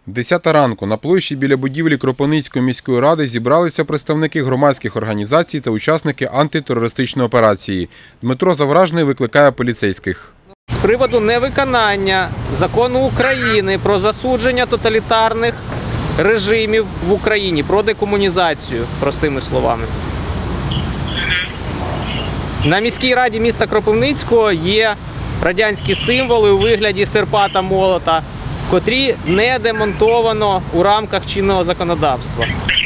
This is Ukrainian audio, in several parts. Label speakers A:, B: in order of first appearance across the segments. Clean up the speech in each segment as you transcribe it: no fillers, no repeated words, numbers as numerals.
A: 10 ранку на площі біля будівлі Кропивницької міської ради зібралися представники громадських організацій та учасники антитерористичної операції. Дмитро Завражний викликає поліцейських.
B: З приводу невиконання закону України про засудження тоталітарних режимів в Україні, про декомунізацію, простими словами. На міській раді міста Кропивницького є радянські символи у вигляді серпа та молота, котрі не демонтовано у рамках чинного законодавства.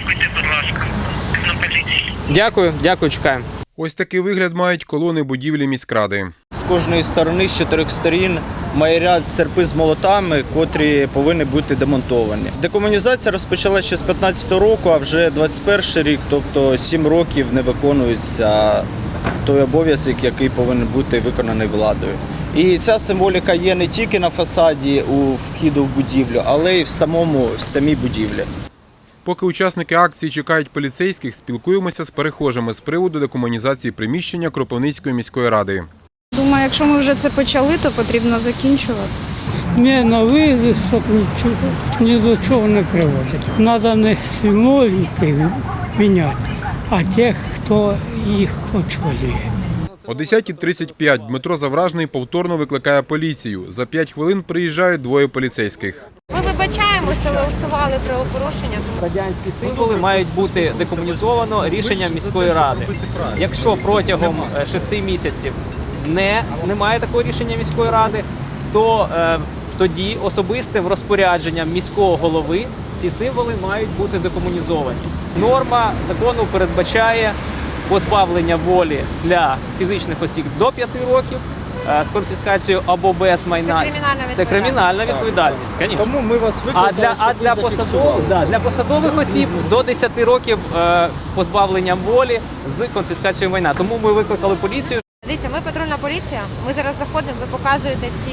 B: Дякую, чекаємо.
A: Ось такий вигляд мають колони будівлі міськради.
C: З кожної сторони, з 4 сторін, має ряд серпи з молотами, котрі повинні бути демонтовані. Декомунізація розпочалася ще з 15-го року, а вже 21-й рік, тобто 7 років не виконується той обов'язок, який повинен бути виконаний владою. І ця символіка є не тільки на фасаді у вхіду в будівлю, але й в самій будівлі.
A: Поки учасники акції чекають поліцейських, спілкуємося з перехожими з приводу декомунізації приміщення Кропивницької міської ради.
D: Думаю, якщо ми вже це почали, то потрібно закінчувати.
E: Не новий листок ні до чого не приводить. Треба не символіки міняти, а тих, хто їх очолює.
A: О 10:35 Дмитро Завражний повторно викликає поліцію. За 5 хвилин приїжджають двоє поліцейських.
F: Ми вибачаємося, але усували правопорушення.
B: Радянські символи мають бути декомунізовано рішенням міської ради. Якщо протягом 6 місяців немає такого рішення міської ради, то тоді особистим розпорядженням міського голови ці символи мають бути декомунізовані. Норма закону передбачає позбавлення волі для фізичних осіб до 5 років з конфіскацією або без майна. Це кримінальна відповідальність. Звісно.
C: Тому ми вас викликали,
B: Для посадових осіб до 10 років позбавлення волі з конфіскацією майна. Тому ми викликали поліцію.
F: Дивіться, ми патрульна поліція, ми зараз заходимо, ви показуєте ці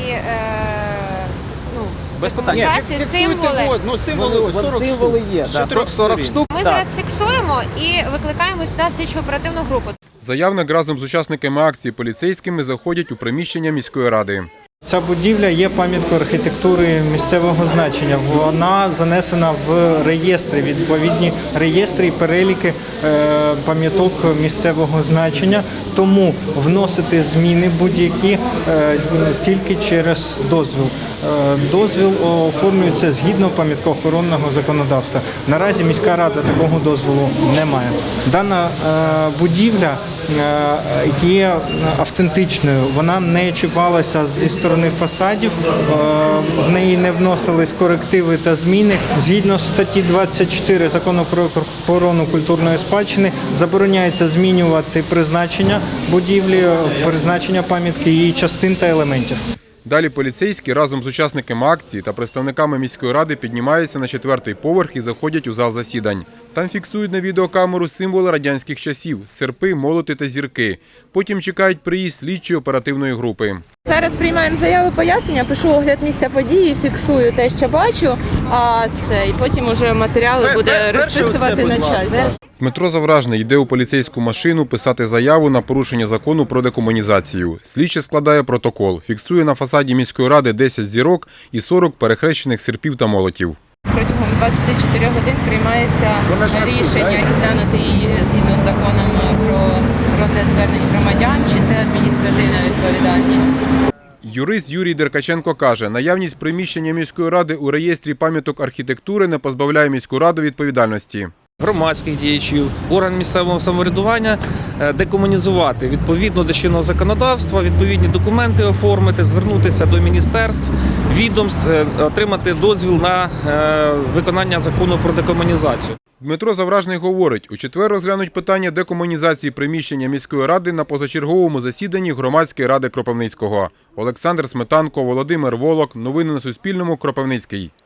B: Без питань.
F: символи.
C: Символи 40
B: Символи є,
C: штук.
B: 40 штук.
F: Ми зараз фіксуємо і викликаємо сюди слідчо-оперативну групу.
A: Заявник разом з учасниками акції поліцейськими заходять у приміщення міської ради.
G: Ця будівля є пам'яткою архітектури місцевого значення. Вона занесена в реєстри, відповідні реєстри і переліки пам'яток місцевого значення. Тому вносити зміни будь-які тільки через дозвіл. Дозвіл оформлюється згідно пам'яткоохоронного законодавства. Наразі міська рада такого дозволу не має. Дана будівля є автентичною, вона не чіпалася зі сторони фасадів, в неї не вносились корективи та зміни. Згідно статті 24 Закону про охорону культурної спадщини забороняється змінювати призначення будівлі, призначення пам'ятки, її частин та елементів.
A: Далі поліцейські разом з учасниками акції та представниками міської ради піднімаються на 4-й поверх і заходять у зал засідань. Там фіксують на відеокамеру символи радянських часів – серпи, молоти та зірки. Потім чекають приїзд слідчої оперативної групи.
D: Зараз приймаємо заяви, пояснення, пишу огляд місця події, фіксую те, що бачу, і потім вже матеріали буде розписувати начальство.
A: Дмитро Завражний йде у поліцейську машину писати заяву на порушення закону про декомунізацію. Слідчий складає протокол, фіксує на фасаді міської ради 10 зірок і 40 перехрещених серпів та молотів.
D: Протягом 24 годин приймається рішення розглянути її згідно з законом про розгляд звернень громадян, чи це адміністративна відповідальність.
A: Юрист Юрій Деркаченко каже, наявність приміщення міської ради у реєстрі пам'яток архітектури не позбавляє міську раду відповідальності.
H: Громадських діячів, орган місцевого самоврядування декомунізувати відповідно до чинного законодавства, відповідні документи оформити, звернутися до міністерств, відомств, отримати дозвіл на виконання закону про декомунізацію.
A: Дмитро Завражний говорить, у четвер розглянуть питання декомунізації приміщення міської ради на позачерговому засіданні громадської ради Кропивницького. Олександр Сметанко, Володимир Волок. Новини на Суспільному. Кропивницький.